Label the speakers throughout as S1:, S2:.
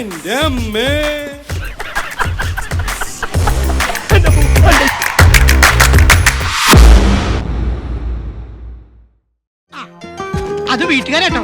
S1: എന്റെ അമ്മേ.
S2: അത് വീട്ടുകാരട്ടോ.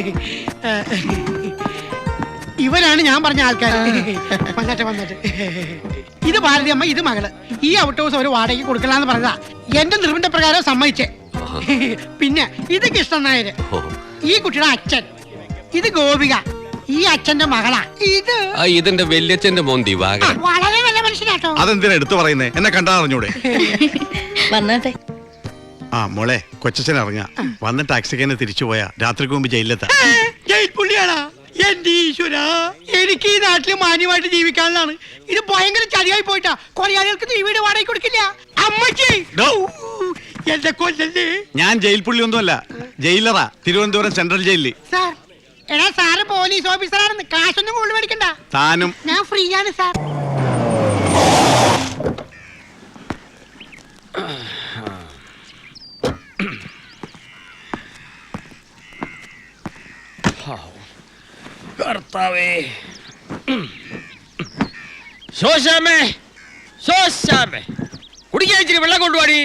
S2: ഇവരാണ് ഞാൻ പറഞ്ഞ ആൾക്കാർ. വന്നിട്ട് ഇത് ഭാരതി അമ്മ, ഇത് മകള്. ഈ ഔട്ട് ഹൗസ് ഒരു വാടകയ്ക്ക് കൊടുക്കലാന്ന് പറഞ്ഞതാ. എന്റെ നിർബന്ധപ്രകാരം സമ്മതിച്ചേ. പിന്നെ ഇത് കൃഷ്ണൻ നായര്, ഈ കുട്ടിയുടെ അച്ഛൻ. ഇത് ഗോപിക, ഈ അച്ഛന്റെ മകളാ.
S3: ഇതിന്റെ വല്യച്ഛന്റെ മോൻ ദിവാകരൻ.
S2: വളരെ നല്ല മനുഷ്യനാട്ടോ.
S4: അതെന്തിനാ എടുത്തു പറയുന്നേ? എന്നെ കണ്ടാ അറിഞ്ഞൂടെ?
S5: വന്നാട്ടെ.
S4: ആ മോളെ, കൊച്ചച്ഛൻ ഇറങ്ങാ. വന്ന ടാക്സിക്ക് തന്നെ തിരിച്ചു പോയാ രാത്രിക്ക് മുമ്പ് ജയിലിലെത്താ.
S2: ജയിൽ പുള്ളിയാണോ? എന്റെ ഈശ്വര, എനിക്ക് ഈ നാട്ടില് മാന്യമായിട്ട് ജീവിക്കാനുള്ളതാണ്. ഇത് ഭയങ്കര ചതിയായി പോയിട്ടാ. കൊലയാളികൾക്ക് ഈ വീട് വാടകയ്ക്ക് കൊടുക്കില്ല. അമ്മച്ചി എന്റെ കൊല്ലല്ലേ.
S4: ഞാൻ ജയിൽ പുള്ളി ഒന്നുമല്ല, ജയിലറാ, തിരുവനന്തപുരം സെൻട്രൽ ജയിലിൽ.
S2: സാർ, എടാ സാറ് പോലീസ് ഓഫീസറാണെന്ന്. കാശൊന്നും കൂടുതൽ മേടിക്കണ്ട.
S4: താനും
S2: ഞാൻ ഫ്രീ ആണ് സാർ.
S6: കർത്താവേ, ശോശാമേ, ശോശാമേ, കുടിക്കാൻ ഇച്ചിരി വെള്ളം കൊണ്ടുപോടി.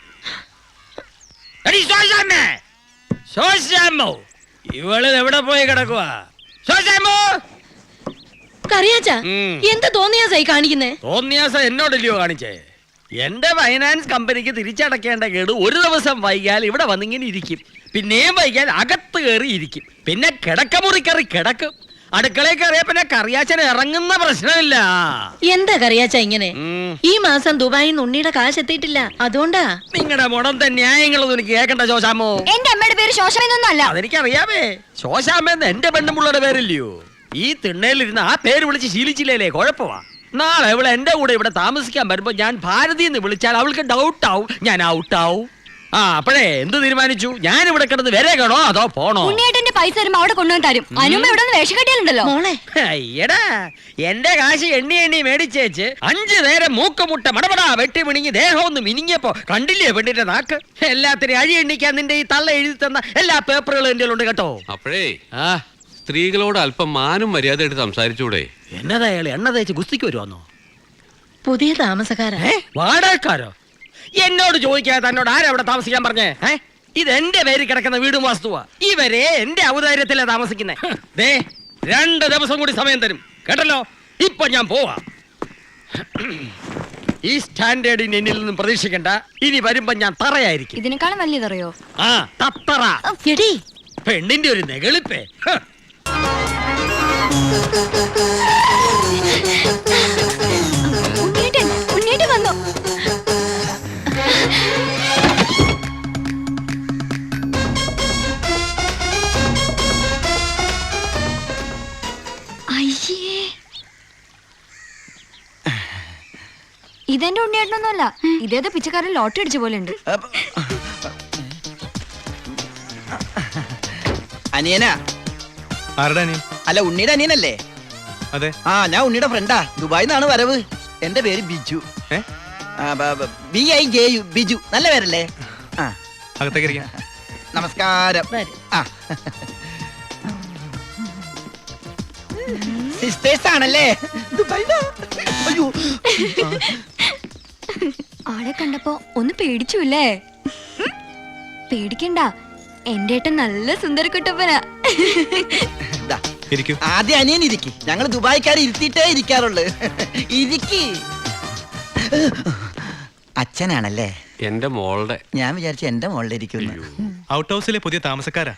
S6: ശോശാമോ, ഇവള് എവിടെ പോയി കിടക്കുവാ? ശോശാമോ,
S5: കറിയാച്ചാ, എന്താ തോന്നിയാസായി കാണിക്കുന്നേ?
S6: തോന്നിയാസ എന്നോടല്ലയോ കാണിച്ചേ? എന്റെ ഫൈനാൻസ് കമ്പനിക്ക് തിരിച്ചടക്കേണ്ട കേട് ഒരു ദിവസം വൈകിയാൽ ഇവിടെ വന്നിങ്ങനെ ഇരിക്കും. പിന്നെയും വൈകിയാൽ അകത്ത് കയറി ഇരിക്കും. പിന്നെ കിടക്കമുറി കയറി കിടക്കും. അടുക്കളയിൽ കയറിയ പിന്നെ കറിയാച്ചൻ ഇറങ്ങുന്ന പ്രശ്നമില്ല.
S5: എന്താ കറിയാച്ചാ ഇങ്ങനെ? ഈ മാസം ദുബായിൽ നിന്ന് ഉണ്ണിയുടെ കാശ് എത്തിയിട്ടില്ല, അതുകൊണ്ടാ.
S6: നിങ്ങളുടെ മുടന്ത ന്യായങ്ങളൊന്നും എനിക്ക് കേൾക്കണ്ട ശോശാമോ.
S5: എന്റെ അമ്മയുടെ പേര് ശോശാമെന്നൊന്നും അല്ല.
S6: അതെനിക്കറിയാമേ. ശോശാമെന്ന് എന്റെ പെണ്ണുമുള്ളയുടെ പേരില്ലയോ? ഈ തിണ്ണയിലിരുന്ന് ആ പേര് വിളിച്ച് ശീലിച്ചില്ലേ, കുഴപ്പമാ. നാളെ അവൾ എന്റെ കൂടെ ഇവിടെ താമസിക്കാൻ വരുമ്പോ ഞാൻ ഭാരതി എന്ന് വിളിച്ചാൽ അവൾക്ക് ഡൗട്ട് ആവും, ഞാൻ ഔട്ടാവും. ആ, അപ്പഴേ എന്ത് തീരുമാനിച്ചു? ഞാൻ ഇവിടെ കിടന്ന് വരേക്കണോ അതോ പോണോ?
S5: ഉണ്ണിയേട്ടന്റെ പൈസ വരുമ്പോ അവിടെ കൊണ്ടുവന്ന് തരും. അനുമ്മ ഇവിടെ വേഷം കെട്ടിയാലുണ്ടല്ലോ മോളെ.
S6: അയ്യടാ, എന്റെ കാശ് എണ്ണി എണ്ണി മേടിച്ചേച്ച് 5 നേരം മൂക്കുമുട്ട മടപടാ വെട്ടി മിണിങ്ങി ദേഹം ഒന്ന് മിനിങ്ങിയപ്പോ കണ്ടില്ലേ പെണ്ണിന്റെ നാക്ക്? എല്ലാത്തിനും അഴി എണ്ണിക്കാൻ നിന്റെ ഈ തള്ള എഴുതി തന്ന എല്ലാ പേപ്പറുകളും എന്റെ ഉണ്ട് കേട്ടോ.
S3: അപ്പോഴേ സ്ത്രീകളോട് അല്പം മാനും മര്യാദയായിട്ട് സംസാരിച്ചൂടെ?
S6: എന്നതാ അയാൾ എണ്ണ തേച്ച് ഗുസ്തിക്ക് വരുവാന്നോ?
S5: പുതിയ താമസക്കാരാ.
S6: വാടകക്കാരോ? എന്നോട് ചോദിക്കാതെ തന്നോട് ആരാ അവിടെ താമസിക്കാൻ പറഞ്ഞേ? ഇത് എന്റെ പേര് കിടക്കുന്ന വീടും വാസ്തുവാ. ഇവരെ എന്റെ ഔദാര്യത്തിലാ താമസിക്കുന്നേ. 2 ദിവസം കൂടി സമയം തരും കേട്ടല്ലോ. ഇപ്പൊ ഞാൻ പോവാ. ഈ സ്റ്റാൻഡേർഡിന് എന്നിൽ നിന്നും പ്രതീക്ഷിക്കണ്ട. ഇനി വരുമ്പോ ഞാൻ തറയായിരിക്കും.
S5: ഇതിനേക്കാളും വലിയതറിയോ?
S6: ആ, തത്തറ.
S5: എടി,
S6: പെണ്ണിന്റെ ഒരു നെകളിപ്പേ.
S5: ഉണ്ണിയേട്ടൻ വന്നു.
S7: ഇതെന്റെ ഉണ്ണിയേട്ടനൊന്നുമല്ല, ഇതേത് പിച്ചക്കാരൻ ലോട്ടറി അടിച്ച പോലെ ഉണ്ട്.
S8: അനിയനാ? അല്ല, ഉണ്ണിയുടെ അനിയനല്ലേ?
S1: അതെ.
S8: ആ, ഞാൻ ഉണ്ണിയുടെ ഫ്രണ്ടാ. ദുബായിൽ നിന്നാണ് വരവ്. എന്റെ പേര് ബിജു. BIJU, ബിജു. നല്ല പേരല്ലേ? നമസ്കാരം. സിസ്റ്റേഴ്സ് ആണല്ലേ? അയ്യോ,
S7: ആളെ കണ്ടപ്പോ ഒന്ന് പേടിച്ചുല്ലേ? പേടിക്കണ്ട, എന്റെ ഏട്ടൻ നല്ല സുന്ദരക്കുട്ടപ്പനാ.
S8: ആദ്യം അനിയൻ ഇരിക്കി. ഞങ്ങൾ ദുബായിക്കാർ ഇരുത്തിയിട്ടേ ഇരിക്കാറുള്ളു. ഇരിക്കി. അച്ഛനാണല്ലേ?
S3: എന്റെ മോളുടെ.
S8: ഞാൻ വിചാരിച്ചു എന്റെ മോളുടെ ഇരിക്കുന്നു.
S1: ഔട്ട് ഹൗസിലെ പുതിയ താമസക്കാരാ.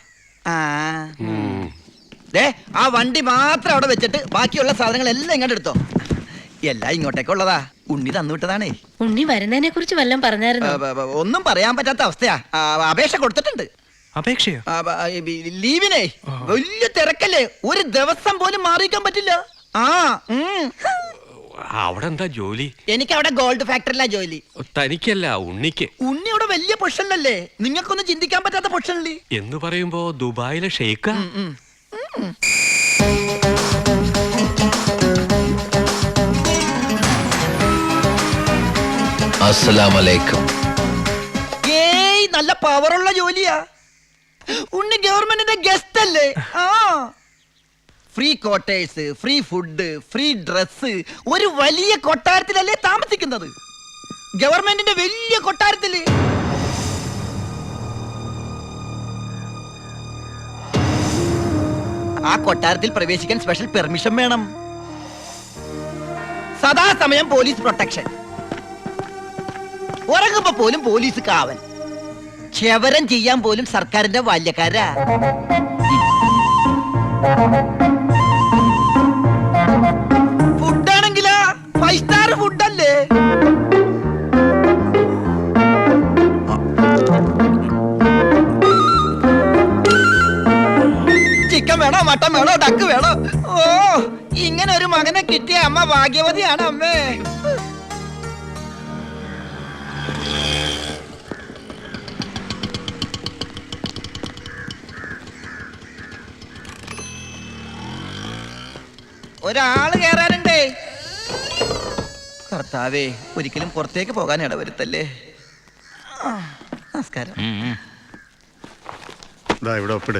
S8: ആ വണ്ടി മാത്രം അവിടെ വെച്ചിട്ട് ബാക്കിയുള്ള സാധനങ്ങളെല്ലാം ഇങ്ങോട്ട് എടുത്തോ. എല്ലാം ഇങ്ങോട്ടേക്കുള്ളതാ. ഉണ്ണി തന്നുവിട്ടതാണേ.
S5: ഉണ്ണി വരുന്നതിനെ കുറിച്ച് വല്ലതും പറഞ്ഞായിരുന്നു?
S8: ഒന്നും പറയാൻ പറ്റാത്ത അവസ്ഥയാ. അപേക്ഷ കൊടുത്തിട്ടുണ്ട്.
S1: അപേക്ഷയോ?
S8: ലീവിനെ. വലിയ തിരക്കല്ലേ, ഒരു ദിവസം പോലും മാറിയിക്കാൻ പറ്റില്ല.
S3: അവിടെ എന്താ ജോലി?
S8: എനിക്ക് അവിടെ ഗോൾഡ് ഫാക്ടറിയിലാ ജോലി.
S3: തനിക്കല്ല, ഉണ്ണിക്ക്.
S8: ഉണ്ണി അവിടെ വലിയ പൊസിഷനിലല്ലേ? നിങ്ങൾക്കൊന്നും ചിന്തിക്കാൻ പറ്റാത്ത പൊസിഷനില്ലേ
S3: എന്ന് പറയുമ്പോ ദുബായിലെ ഷെയ്ഖ.
S9: അസ്സലാമലൈക്കും.
S8: ഏയ്, നല്ല പവറുള്ള ജോലിയാ. ഉണ്ണി ഗവൺമെന്റിന്റെ ഗസ്റ്റ് അല്ലേ? Free quarters, free food, free dress, ഒരു വലിയ കൊട്ടാരത്തിലല്ലേ താമസിക്കുന്നത്. ഗവൺമെന്റിന്റെ വലിയ കൊട്ടാരത്തില്. ആ കൊട്ടാരത്തിൽ പ്രവേശിക്കാൻ സ്പെഷ്യൽ പെർമിഷൻ വേണം. സദാസമയം പോലീസ് പ്രൊട്ടക്ഷൻ. ഉറങ്ങുമ്പോ പോലും പോലീസ് കാവൽ. ക്ഷവരം ചെയ്യാൻ പോലും സർക്കാരിന്റെ ബാല്യക്കാരാ. ഫുഡാണെങ്കിലാ 5 സ്റ്റാർ ഫുഡല്ലേ. ചിക്കൻ വേണോ, മട്ടൻ വേണോ, ഡക്ക് വേണോ? ഓ, ഇങ്ങനെ ഒരു മകനെ കിട്ടിയ അമ്മ ഭാഗ്യവതിയാണ് അമ്മേ. ഒരാള് കേറാനുണ്ടേ. കർത്താവേ, ഒരിക്കലും പുറത്തേക്ക് പോകാൻ ഇടവരുത്തല്ലേ. ആ, നമസ്കാരം.
S4: ഇതാ ഇവിടെ ഒപ്പിട്.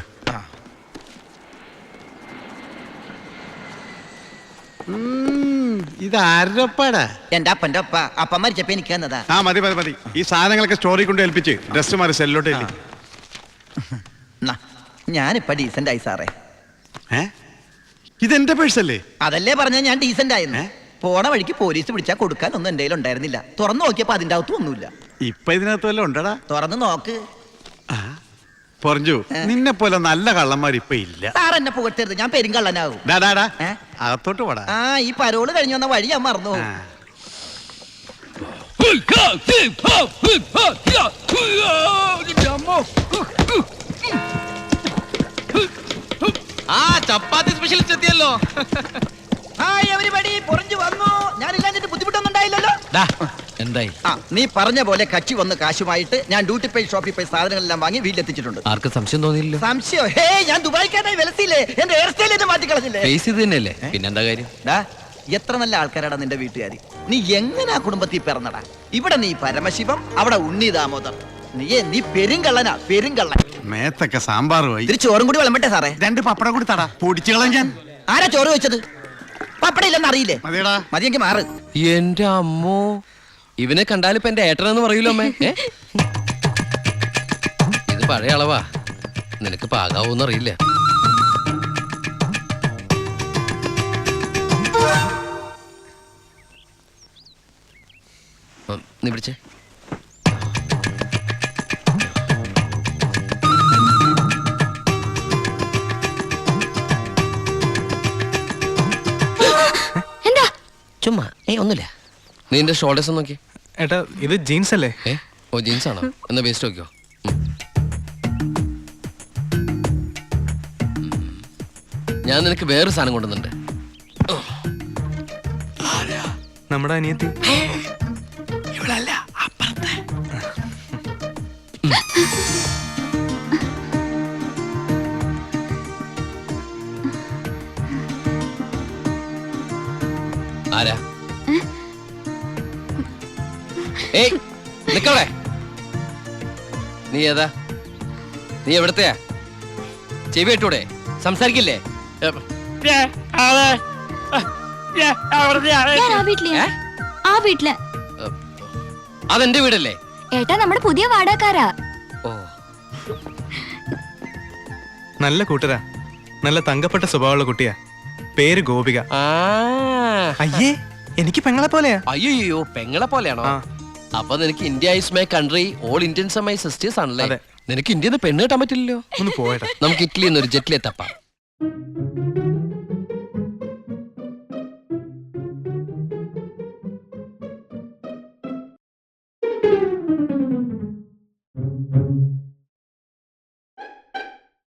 S4: ഇത് ആരുടെ ഒപ്പാടാ?
S8: എന്റെ അപ്പന്റെ ഒപ്പ. അപ്പം മരിച്ചപ്പോ എനിക്ക് തന്നതാ.
S4: ആ മതി മതി മതി. ഈ സാധനങ്ങളൊക്കെ സ്റ്റോറി കൊണ്ട് ഏൽപ്പിച്ച് ഡ്രസ് മാറി സെല്ലോട്ട് ഏൽപ്പിച്ച്.
S8: ഞാനിപ്പ ഡീസന്റ് ആയി സാറേ.
S4: ഇതെന്റെ പേഴ്സല്ലേ?
S8: അതല്ലേ പറഞ്ഞ ഞാൻ ഡീസന്റ് ആയിരുന്നു. പോണ വഴിക്ക് പോലീസ് പിടിച്ചാൽ കൊടുക്കാൻ ഒന്നും എന്റെ കയ്യിൽ ഉണ്ടായിരുന്നില്ല. തുറന്നു നോക്കിയപ്പോ അതിന്റെ അകത്തും ഒന്നുമില്ല.
S4: ഇപ്പൊ ഇതിനകത്ത് വല്ലതും ഉണ്ടടാ?
S8: തുറന്നു നോക്ക്.
S4: പറഞ്ഞു, നിന്നെ പോലെ നല്ല കള്ളന്മാർ ഇപ്പൊ ഇല്ല.
S8: സാർ എന്നെ പുകട്ടരുത്, ഞാൻ പെരുങ്കള്ളനാകും.
S4: അകത്തോട്ട് പോടാ.
S8: ആ, ഈ പരോള് കഴിഞ്ഞു വന്ന വഴി ഞാൻ മറന്നു.
S6: ആ ചപ്പാത്തി സ്പെഷ്യലിസ്റ്റ് എത്തിയല്ലോ.
S8: ഹായ് എവരിബഡി, പൊറിഞ്ഞു വന്നു. ഞാനില്ലാഞ്ഞിട്ട് ബുദ്ധിമുട്ടൊന്നും ഉണ്ടായില്ലല്ലോ.
S6: എന്തായി?
S8: ആ, നീ പറഞ്ഞ പോലെ കച്ചി വന്ന് കാശുമായിട്ട് ഞാൻ ഡ്യൂട്ടി പേ ഷോപ്പിൽ പോയി സാധനങ്ങളെല്ലാം വാങ്ങി വീട്ടിലെത്തിച്ചിട്ടുണ്ട്.
S6: ആർക്കും സംശയം തോന്നിയില്ലോ?
S8: സംശയം? ഹേ, ഞാൻ ദുബായിക്കാനായി വിലസിയില്ലേ. എന്റെ ഹെയർ സ്റ്റൈൽ മാറ്റി കളഞ്ഞില്ലേ.
S6: ഫേസ് ഇത് തന്നെയല്ലേ, പിന്നെന്താ കാര്യം?
S8: എത്ര നല്ല ആൾക്കാരാടാ നിന്റെ വീട്ടുകാരി. നീ എങ്ങനെ ആ കുടുംബത്തിൽ പിറന്നടാ? ഇവിടെ നീ പരമശിവം, അവിടെ ഉണ്ണി ദാമോദർ. നീ പെരുങ്കള്ളനാ, പെരുങ്കള്ളൻ.
S4: മേത്തൊക്കെ സാമ്പാറുമായി.
S8: ഇതിരി ചോറും കൂടി വിളമ്പട്ടെ സാറേ?
S4: 2 പപ്പടം കൂടി തടാ, പൊടിച്ചു കളഞ്ഞാൻ.
S8: ആരാ ചോറ് വെച്ചത്? പപ്പട ഇല്ലെന്ന് അറിയില്ലേ?
S4: മതിയടാ.
S8: മതിയെങ്കിൽ മാറ്.
S6: എന്റെ അമ്മോ, ഇവനെ കണ്ടാലിപ്പോ എന്റെ ഏട്ടനെന്ന് പറയൂലോ അമ്മേ. ഇത് പഴയ അളവാ, നിനക്ക് പാകാവൂന്ന് അറിയില്ല. നീ പിടിച്ചേ.
S7: എന്താ?
S6: ചുമ്മാ ഒന്നുമില്ല. നീ എന്റെ ഷോൾഡേഴ്സ് നോക്കി.
S1: ഏട്ടാ ഇത് ജീൻസ് അല്ലേ?
S6: ഓ ജീൻസ് ആണോ? എന്നാ വേസ്റ്റ് നോക്കിയോ. ഞാൻ നിനക്ക് വേറൊരു സാധനം കൊണ്ടുവന്നുണ്ട്.
S1: നമ്മുടെ അനിയത്തി.
S6: ആരാ? ഏയ് നിക്കവിടെ. നീ ഏതാ? നീ എവിടത്തെയാ? ചെവി ഇട്ടൂടെ? സംസാരിക്കില്ലേ?
S7: ഞാൻ ആ വീട്ടിലെയാ. ആ വീട്ടില്.
S6: അതെന്റെ വീടല്ലേ?
S7: ഏട്ടാ നമ്മുടെ പുതിയ വാടകക്കാരാ.
S6: ഓ,
S1: നല്ല കൂട്ടരാ, നല്ല തങ്കപ്പെട്ട സ്വഭാവമുള്ള കുട്ടിയാ. പേര് ഗോപിക. അയ്യേ, എനിക്ക് പെങ്ങളെ പോലെയാ.
S6: അയ്യോ പെങ്ങളെ പോലെയാണോ? അപ്പൊ നിനക്ക് India is my country, all Indians are my sisters ആണല്ലേ? നിനക്ക് ഇന്ത്യയിൽ നിന്ന് പെണ്ണ് കിട്ടാൻ പറ്റില്ലല്ലോ.
S1: ഒന്ന് പോയടാ.
S6: നമുക്ക് ഇറ്റലിയിൽ നിന്ന് ഒരു ജെറ്റിലെ തപ്പാം.